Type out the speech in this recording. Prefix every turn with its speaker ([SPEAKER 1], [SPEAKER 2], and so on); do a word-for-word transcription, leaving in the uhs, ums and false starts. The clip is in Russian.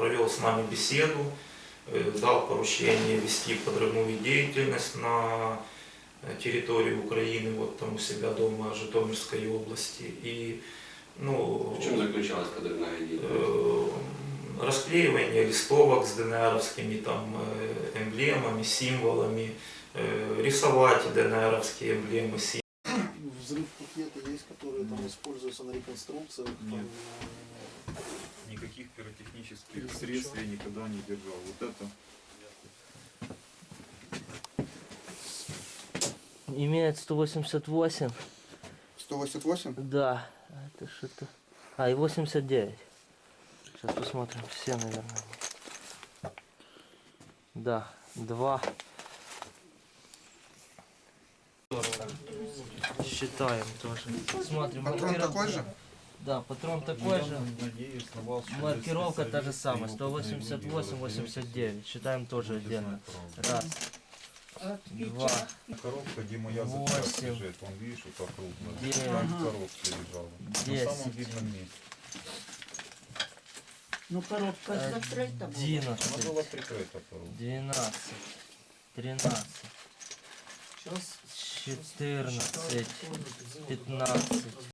[SPEAKER 1] провел с нами беседу, дал поручение вести подрывную деятельность на территории Украины, вот там у себя дома Житомирской области. И, ну,
[SPEAKER 2] в чем заключалась подрывная деятельность?
[SPEAKER 1] Расклеивание листовок с ДНРовскими там эмблемами, символами, рисовать ДНРовские эмблемы, символы.
[SPEAKER 3] Взрыв пакета есть, которые там используются на реконструкциях?
[SPEAKER 4] Нет.
[SPEAKER 3] Там,
[SPEAKER 4] Никаких пиротехнических средств я никогда не держал. Вот это.
[SPEAKER 5] Имеет сто восемьдесят восемь.
[SPEAKER 6] сто восемьдесят восемь?
[SPEAKER 5] Да. Это что-то. А, и восемьдесят девять. Сейчас посмотрим. Все, наверное. Да. Два. Считаем тоже. Смотрим.
[SPEAKER 6] Патрон
[SPEAKER 5] маркировка.
[SPEAKER 6] такой же?
[SPEAKER 5] Да, патрон такой же.
[SPEAKER 4] Надеюсь на вас, что
[SPEAKER 5] Маркировка та же
[SPEAKER 4] специалисты
[SPEAKER 5] самая.
[SPEAKER 4] и
[SPEAKER 5] сто
[SPEAKER 4] опытные
[SPEAKER 5] восемьдесят
[SPEAKER 4] люди
[SPEAKER 5] восемь,
[SPEAKER 4] разберутся.
[SPEAKER 5] восемьдесят девять. Считаем тоже
[SPEAKER 4] Будете
[SPEAKER 5] отдельно.
[SPEAKER 4] знать правду.
[SPEAKER 5] Раз. Два.
[SPEAKER 4] Коробка, где моя
[SPEAKER 5] Восемь.
[SPEAKER 4] запчасть лежит, вон видишь, вот так крупно.
[SPEAKER 5] Девять.
[SPEAKER 4] Там в коробке лежала. На
[SPEAKER 5] Десять.
[SPEAKER 4] самом видном месте.
[SPEAKER 7] Ну, коробка закрыта была.
[SPEAKER 4] Она
[SPEAKER 5] Одиннадцать.
[SPEAKER 4] была прикрыта коробка.
[SPEAKER 5] Двенадцать. Тринадцать.
[SPEAKER 7] Сейчас
[SPEAKER 5] Четырнадцать. Пятнадцать.